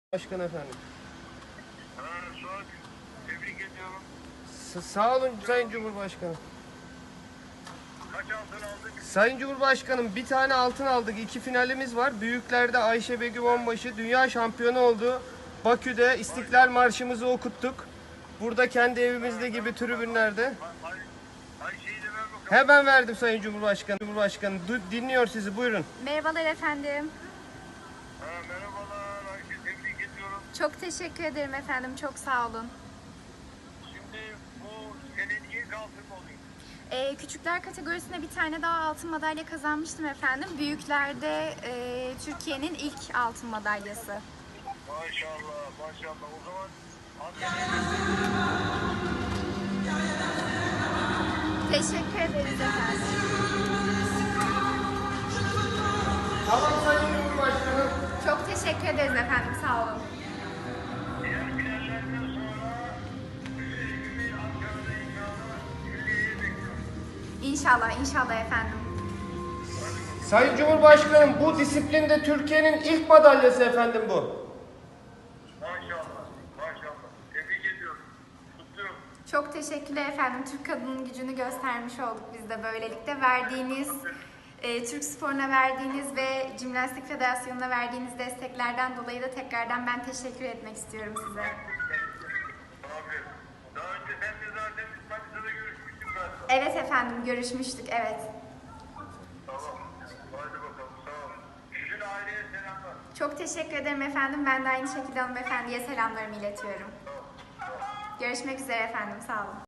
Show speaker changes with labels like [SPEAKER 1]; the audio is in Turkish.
[SPEAKER 1] Başkan efendim.
[SPEAKER 2] Suat, tebrik ediyorum.
[SPEAKER 1] Sağ olun Sayın Cumhurbaşkanım.
[SPEAKER 2] Kaç altın aldık?
[SPEAKER 1] Sayın Cumhurbaşkanım bir tane altın aldık. 2 finalimiz var. Büyüklerde Ayşe Begüm Onbaşı dünya şampiyonu oldu. Bakü'de İstiklal Marşımızı okuttuk. Burada kendi evimizde gibi tribünlerde.
[SPEAKER 2] Ayşe'yi de ver bakalım.
[SPEAKER 1] Hemen verdim Sayın Cumhurbaşkanım. Cumhurbaşkanım dinliyor sizi, buyurun.
[SPEAKER 3] Merhabalar efendim.
[SPEAKER 2] Merhabalar Ayşe, tebrik ediyorum.
[SPEAKER 3] Çok teşekkür ederim efendim. Çok sağ olun.
[SPEAKER 2] Şimdi bu senin ilk altın mı olayım?
[SPEAKER 3] Küçükler kategorisinde bir tane daha altın madalya kazanmıştım efendim. Büyüklerde Türkiye'nin ilk altın madalyası.
[SPEAKER 2] Maşallah, maşallah. O zaman annene
[SPEAKER 3] Teşekkür ederiz efendim.
[SPEAKER 1] Tamam Sayın Cumhurbaşkanım.
[SPEAKER 3] Çok teşekkür ederiz efendim. Sağ olun.
[SPEAKER 2] diğer finallerden sonra evimi Ankara'da inşallah Külliye'ye bekliyorum.
[SPEAKER 3] İnşallah, inşallah efendim.
[SPEAKER 1] Sayın Cumhurbaşkanım, bu disiplinde Türkiye'nin ilk madalyası efendim bu.
[SPEAKER 2] Maşallah, maşallah. Tebrik ediyorum. Kutluyorum.
[SPEAKER 3] Çok teşekkürler efendim. Türk kadının gücünü göstermiş olduk biz de böylelikle. Verdiğiniz, Türk sporuna verdiğiniz ve Jimnastik Federasyonu'na verdiğiniz desteklerden dolayı da tekrardan ben teşekkür etmek istiyorum size.
[SPEAKER 2] Abi, daha önce sen de zaten Manisa'da görüşmüştük galiba.
[SPEAKER 3] Evet efendim, görüşmüştük, evet.
[SPEAKER 2] Tamam. Hadi bakalım. Sağ ol. Bütün aileye selamlar.
[SPEAKER 3] Çok teşekkür ederim efendim. Ben de aynı şekilde hanımefendiye selamlarımı iletiyorum. Görüşmek üzere efendim, sağ olun.